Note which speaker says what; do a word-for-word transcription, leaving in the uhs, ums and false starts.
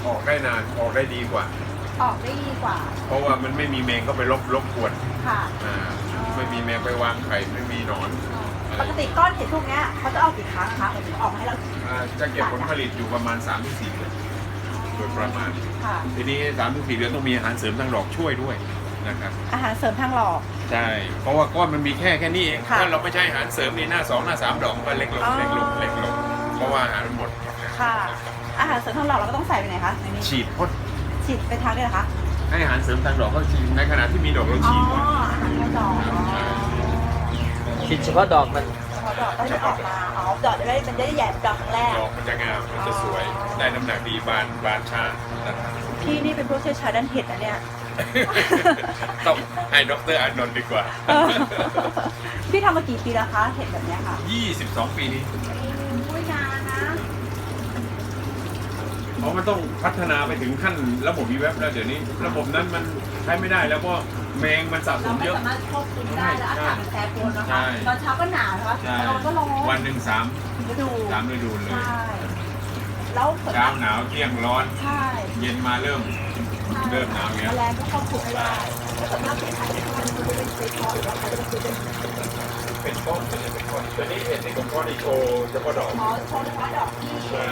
Speaker 1: ออกได้นานออกได้ดีกว่า
Speaker 2: ออกได้ดีกว่า
Speaker 1: เพราะว่ามันไม่มีแมงก็ไปรบรบกวน
Speaker 2: ค่ะ
Speaker 1: อ่าไม่มีแมงไปวางไข่ไม่มีหนอน
Speaker 2: ปกติก้อนเห็ดพวกเนี้ยเขาจะออกกี่ครั้งคะหมายถึงออกมาให้เรา
Speaker 1: อ่าจะเก็บผลผลิตอยู่ประมาณ สามถึงสี่ เดือนโดยประมาณ
Speaker 2: ค่ะ
Speaker 1: ทีนี้ สามถึงสี่ เดือนต้องมีอาหารเสริมทางดอกช่วยด้วยนะครับ
Speaker 2: อาหารเสริมทางหลอก
Speaker 1: ใช่เพราะว่าก้อนมันมีแค่แค่นี้เอง
Speaker 2: ค่ะ
Speaker 1: ถ้าเราไม่ใช้อาหารเสริมนี่หน้าสองหน้าสามดอกก็เล็กลง
Speaker 2: อ๋อ
Speaker 1: เล็กลงเล็กลงเพราะว่าอาหารมันหมด
Speaker 2: ค่ะ อาหารเสริมทางหลอกเราก็ต้องใส่ไปไหนคะในนี้
Speaker 1: ฉีดพ่น
Speaker 2: ฉีดไปทางด้วยเหรอคะ
Speaker 1: ให้อาหารเสริมทางดอกก็ฉีดในขณะที่มีดอกเรา
Speaker 2: อ๋อ
Speaker 1: ฉีดก่อน
Speaker 2: อาหารทางดอกอ๋อ
Speaker 3: คิดเฉพาะดอกมัน
Speaker 2: พอดอกก็จะออกมาอ๋อดอกจะได้มันจะได้ใหญ่ดอกครั้งแรก
Speaker 1: ดอกมันจะงามมันจะสวยได้น้ำหนักดีบานบานช้านะครับ
Speaker 2: พี่นี่เป็นผู้เชี่ยวชาญด้านเห็ดนะเนี่ย
Speaker 1: ต้องให้ดรอานนท์ดีกว่า
Speaker 2: เออพี่ทำมากี่ปีแล้วคะเห็ดแบบเนี้ยค่ะ
Speaker 1: ยี่สิบสอง ปีนี้
Speaker 2: อุ้ยนานนะ
Speaker 1: เพราะมันต้องพัฒนาไปถึงขั้นระบบวีเว็บแล้วเดี๋ยวนี้ ระบบนั้นมันใช้ไม่ได้แล้วเพราะแมงมันสะส
Speaker 2: เรา
Speaker 1: ม
Speaker 2: ไม่
Speaker 1: เยอะ
Speaker 2: สามารถควบคุมได้แล้วอากาศมันแปรปรวนนะ
Speaker 1: ใช่
Speaker 2: คะตอนเช้าก็หนาวนะคะ
Speaker 1: ใช่
Speaker 2: ตอนกลางวันก็ร้อน
Speaker 1: วันหนึ่งสาม
Speaker 2: ฤดู
Speaker 1: สามฤดูเลย
Speaker 2: ใช่แล้วส่วนาก
Speaker 1: เช้ามหนาวเที่ยงร้อน
Speaker 2: ใช่
Speaker 1: เย็นมาเริ่ม
Speaker 2: ใช่
Speaker 1: เริ่มหนาวอย่างเงี้ย
Speaker 2: แมลงก็ควบคุมไม่ได้แล้วส่วนมากเห็ดไทยเนี่ยมันจะเป็นเซฟพอหรือว่าเขาจะเป็นซื้อเป็น
Speaker 1: เป็นก้อนเป็นก้อนตัวนี้เห็นในก้อนอีโชว์เฉพาะดอก
Speaker 2: หมอโชว์เฉพาะดอกที่